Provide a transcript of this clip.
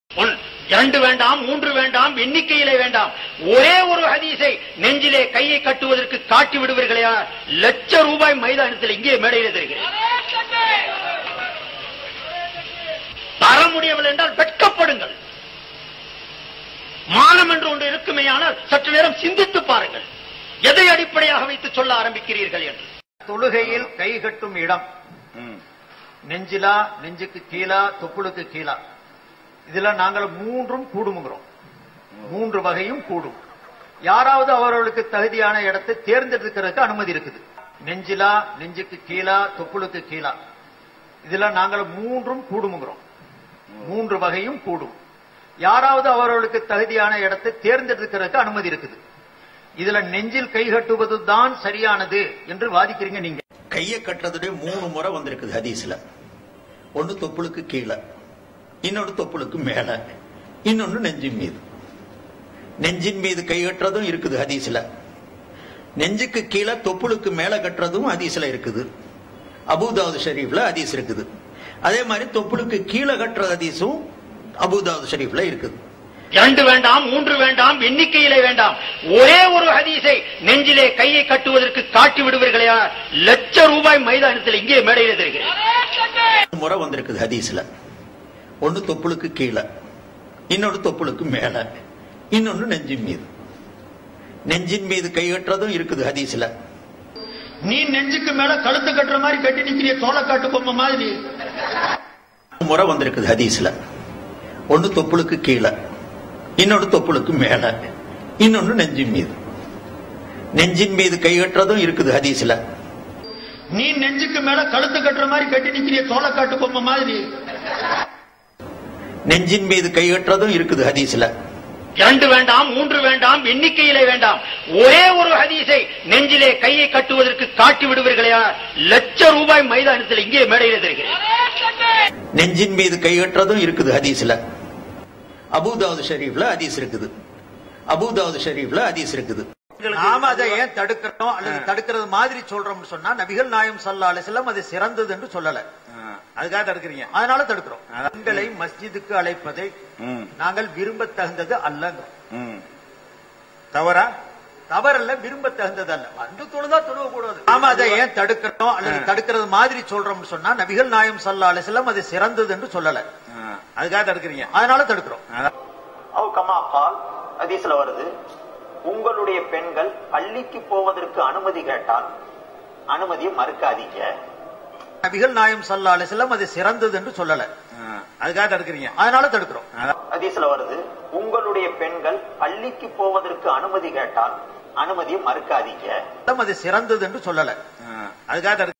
இரண்டு வேண்டாம், மூன்று வேண்டாம், எண்ணிக்கையிலே வேண்டாம். ஒரே ஒரு ஹதீஸை நெஞ்சிலே கையை கட்டுவதற்கு காட்டி விடுவீர்களா? லட்ச ரூபாய் மைதானத்தில் இங்கே மேடையில் தருகிறேன். தர முடியவில்லை என்றால் வெட்கப்படுங்கள். மானம் என்று ஒன்று இருக்குமேயானால் சற்று நேரம் சிந்தித்து பாருங்கள். எதை அடிப்படையாக வைத்து சொல்ல ஆரம்பிக்கிறீர்கள் என்று. தொழுகையில் கை கட்டும் இடம் நெஞ்சிலா, நெஞ்சுக்கு கீழா, தொப்புளுக்கு கீழா, இதுல நாங்கள் மூன்றும் கூடுமுகிறோம். மூன்று வகையும் கூடும். யாராவது அவர்களுக்கு தகுதியான இடத்தை தேர்ந்தெடுக்கிறதுக்கு அனுமதி இருக்குது. நெஞ்சிலா, நெஞ்சுக்கு கீழா, தொப்புளுக்கு கீழா, இதுல நாங்கள் மூன்றும் கூடுமுகிறோம். மூன்று வகையும் கூடும். யாராவது அவர்களுக்கு தகுதியான இடத்தை தேர்ந்தெடுக்கிறதுக்கு அனுமதி இருக்குது. இதுல நெஞ்சில் கை கட்டுவது தான் சரியானது என்று வாதிக்கிறீங்க நீங்க. கையை கட்டுறதுடைய 3 முறை வந்திருக்குது ஹதீஸ்ல. ஒன்னு தொப்புளுக்கு கீழே, இன்னொன்னு தொப்புளுக்கு மேல, இன்னொன்னு நெஞ்சின் மீது. நெஞ்சின் மீது கை கட்டுறதும் இருக்குது ஹதீஸ்ல. நெஞ்சுக்கு கீழே தொப்புளுக்கு மேல கட்டுறதும் ஹதீஸ்ல இருக்குது. அபூதாவுத் ஷரீஃப்ல ஹதீஸ் இருக்குது. அதே மாதிரி தொப்புளுக்கு கீழே கட்டுற ஹதீஸும் அபூதாவுத் ஷரீஃப்ல இருக்குது. இரண்டு வேண்டாம், மூன்று வேண்டாம், எண்ணிக்கையிலே வேண்டாம். ஒரே ஒரு ஹதீஸை நெஞ்சிலே கையை கட்டுவதற்கு காட்டி விடுவீர்களா? லட்ச ரூபாய் மைதானத்தில் இங்கே மேடையில் தருகிறேன். முறை வந்திருக்குது ஹதீஸ்ல. ஒன்னு தொப்புளுக்கு கீழே, இன்னொன்னு தொப்புளுக்கு மேல, இன்னொன்னு நெஞ்சின் மீது. நெஞ்சின் மீது கை கட்டுறதும் இருக்குது ஹதீஸ்ல. நீ நெஞ்சுக்கு மேல கழுத்து கட்டுற மாதிரி கட்டி நிக்கிறிய, தோலை காட்டு பொம்மை மாதிரி. முறை வந்திருக்குது ஹதீஸ்ல. ஒன்னு தொப்புளுக்கு கீழே, இன்னொன்னு தொப்புளுக்கு மேல, இன்னொன்னு நெஞ்சின் மீது. நெஞ்சின் மீது கை கட்டுறதும் இருக்குது ஹதீஸ்ல. நீ நெஞ்சுக்கு மேல கழுத்து கட்டுற மாதிரி கட்டி நிக்கிறிய, தோலை காட்டு பொம்மை மாதிரி. நெஞ்சின் மீது கை கட்டுறதும் இருக்குது ஹதீஸ்ல. இரண்டு வேண்டாம், மூன்று வேண்டாம், எண்ணிக்கையிலே வேண்டாம். ஒரே ஒரு ஹதீஸை நெஞ்சிலே கையை கட்டுவதற்கு காட்டி விடுவீர்களா? லட்ச ரூபாய் மைதானத்தில் இங்கே மேடையில் தருகிறேன். நெஞ்சின் மீது கை கட்டுறதும் இருக்குது ஹதீஸ்ல. அபூதாவுத் ஷரீஃப்ல ஹதீஸ் இருக்குது. அபூதாவுத் ஷரீஃப்ல ஹதீஸ் இருக்குது. நாம அதை ஏன் தடுக்கிறோம் அல்லது தடுக்கிறது மாதிரி சொல்றோம்னு சொன்னா, நபிகள் நாயகம் ஸல்லல்லாஹு அலைஹி வஸல்லம் அது சிறந்தது என்று சொல்லல. அதுக்காக தடுக்கிறீங்க. அதனால தடுக்கிறோம். பெண்களை மஸ்ஜிதுக்கு அழைப்பதை நாங்கள் விரும்ப தகுந்தது அல்லங்கிறோம். தவறா? தவறல்ல, விரும்ப தகுந்தது அல்ல. வந்து தொழுதா தொழுவக்கூடாது. நாம அதை ஏன் தடுக்கிறோம் அல்லது தடுக்கிறது மாதிரி சொல்றோம்னு சொன்னா, நபிகள் நாயகம் ஸல்லல்லாஹு அலைஹி வஸல்லம் அது சிறந்தது என்று சொல்லல. அதுக்காக தடுக்கிறீங்க. அதனால தடுக்கிறோம். ஹதீஸ்ல வருது, உங்களுடைய பெண்கள் பள்ளிக்கு போவதற்கு அனுமதி கேட்டால் அனுமதியை மறுக்காதீங்க. நபிகள் நாயகம் ஸல்லல்லாஹு அலைஹி வஸல்லம் அது சிறந்தது என்று சொல்லல. அதுக்காக தடுக்கிறீங்க. அதனால தடுக்கிறோம். ஹதீஸ்ல வருது, உங்களுடைய பெண்கள் பள்ளிக்கு போவதற்கு அனுமதி கேட்டால் அனுமதியை மறுக்காதீங்க. அது சிறந்தது என்று சொல்லல. அதுக்காக